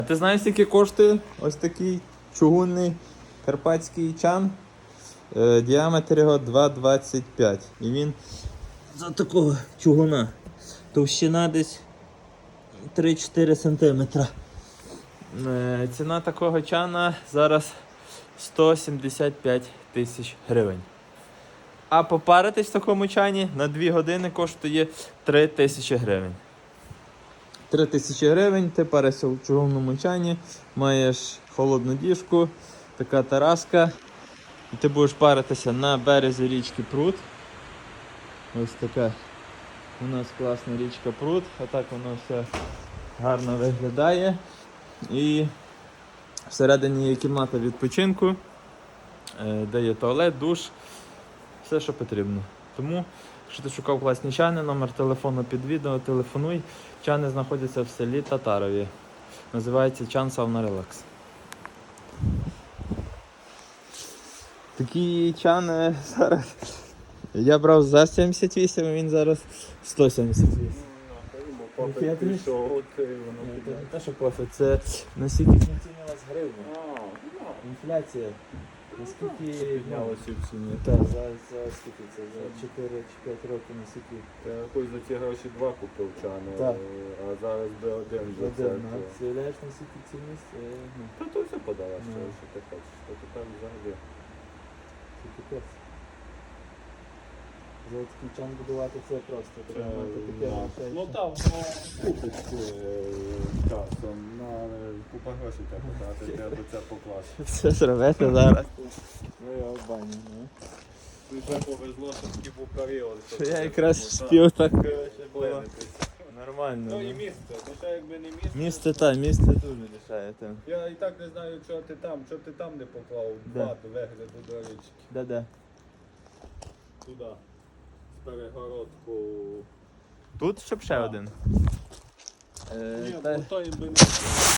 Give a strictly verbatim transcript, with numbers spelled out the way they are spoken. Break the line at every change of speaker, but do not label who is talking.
А ти знаєш, скільки коштує ось такий чугунний карпатський чан? Е, діаметр його два двадцять п'ять. І він за такого чугуна. Товщина десь три-чотири сантиметра. Е, ціна такого чана зараз сто сімдесят п'ять тисяч гривень. А попаритись в такому чані на дві години коштує три тисячі гривень. три тисячі гривень, ти паришся в чугунному чані, маєш холодну діжку, така тараска. І ти будеш паритися на березі річки Прут. Ось така у нас класна річка Прут. Отак воно все гарно виглядає. І всередині є кімната відпочинку, де є туалет, душ, все, що потрібно. Тому, якщо ти шукав класні чани, номер телефону під відео, телефонуй. Чани знаходяться в селі Татарові. Називається чан Sauna Relax. Такі чани зараз я брав за сімдесят вісім, а він зараз сто сімдесят вісім.
Попит пішов, от воно
Це не те, що профі, це наскільки знецінилась гривня. Інфляція. Наскільки
піднялося в ціні.
Так, за, за скільки це? За чотири чи п'ять років наскільки?
Я якось за ці гроші два купив чани,
Так.
а зараз би один за це.
Один, а ти уявляєш наскільки цінність? Е, ну,
Та то все подала, що,
Ну.
що ти хочеш. То тепер взагалі.
це капець. За такий чан будувати це просто. Треба мати таке
Е,
грошей.
Ну там воно купить е, часом, на купа грошей треба дати, треба це покласти.
Все зробити зараз. Ну я в бані, ну.
Вже повезло, що такий був період.
Що я якраз встиг так коротше, було
Винитись.
нормально.
Ну і
ну.
місце, то ще якби не місце.
Місце та, місце дуже лишає там.
Я і так не знаю, чого ти там, чого ти там не поклав
Де?
два до вигляду до річки.
Де-де?
Туди. З перегородку.
Тут щоб ще
Так.
один.
Ні,
Е, та-
бо то їм би не